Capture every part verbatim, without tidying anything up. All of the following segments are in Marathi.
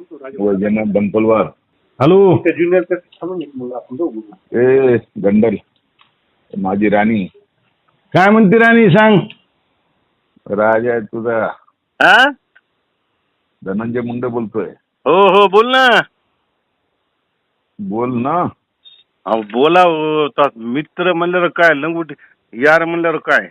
वैजनाथ बनपलवार. हॅलो. ए गंडल माझी राणी. काय म्हणते राणी सांग. राजा आहे तुझा. हा? धनंजय मुंडे बोलतोय. हो हो बोल ना. बोल ना. अहो बोला हो. आता मित्र म्हणल्यावर काय लंगोटी यार म्हणल्यावर काय.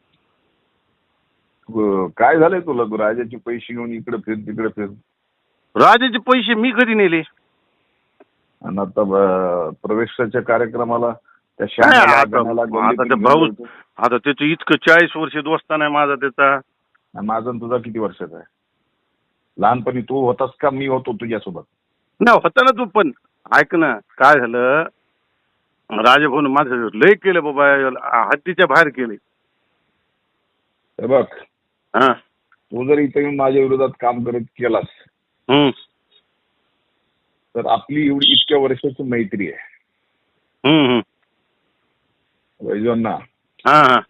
अ, काय झालंय तुला राजाचे पैसे घेऊन इकडे फिर तिकडे फिर. राजाचे पैसे मी कधी नेले. आणि आता अ, प्रवेशाच्या कार्यक्रमाला त्या काय श्यामाला, आता गणाला, आता गल्लीतून ते घेऊन भाऊ जायचं. आता त्याचं इतकं चाळीस वर्ष दोस्ता नाही माझा त्याचा. आणि माझा आणि तुझा किती वर्षाचा आहे. लहानपणी तू होतास का मी होतो तुझ्यासोबत. ना होता ना तू पण. ऐक ना काय झालं. राजभाऊन माझं लय केलं बाबा. हद्दीच्या बाहेर केले. हे बघ हा. तू जर इथे येऊन माझ्या विरोधात काम करत केलास हम्म तर आपली एवढी इतक्या वर्षाची मैत्री आहे. हम्म हम्म. वैजवांना हा हा.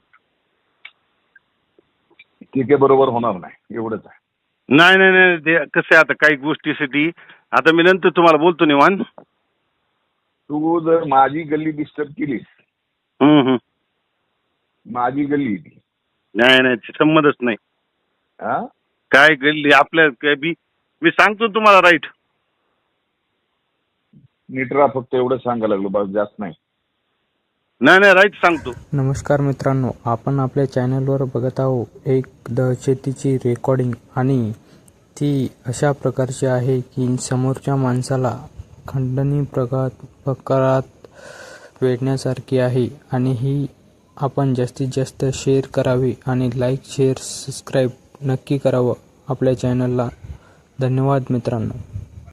ठीक आहे बरोबर होणार नाही एवढंच आहे. नाही नाही नाही ते कसं आहे आता काही गोष्टीसाठी आता मी नंतर तुम्हाला बोलतो निवांत. तू जर माझी गल्ली डिस्टर्ब केलीस. हम्म हम्म. माझी गल्ली ती. नाही नाही ते संबंधच नाही. हा काय गल्ली आपल्या काय बी मी सांगतो तुम्हाला राईट. नीट राहा फक्त एवढं सांगायला लागलो बस जास्त नाही. नाही नाही राईट सांगतो. नमस्कार मित्रांनो, आपण आपल्या चॅनलवर बघत आहोत एक दहशतीची रेकॉर्डिंग आणि ती अशा प्रकारची आहे की समोरच्या माणसाला खंडणी प्रकार प्रकारात वेढण्यासारखी आहे आणि ही आपण जास्तीत जास्त शेअर करावी आणि लाईक शेअर सबस्क्राईब नक्की करावं आपल्या चॅनलला. धन्यवाद मित्रांनो.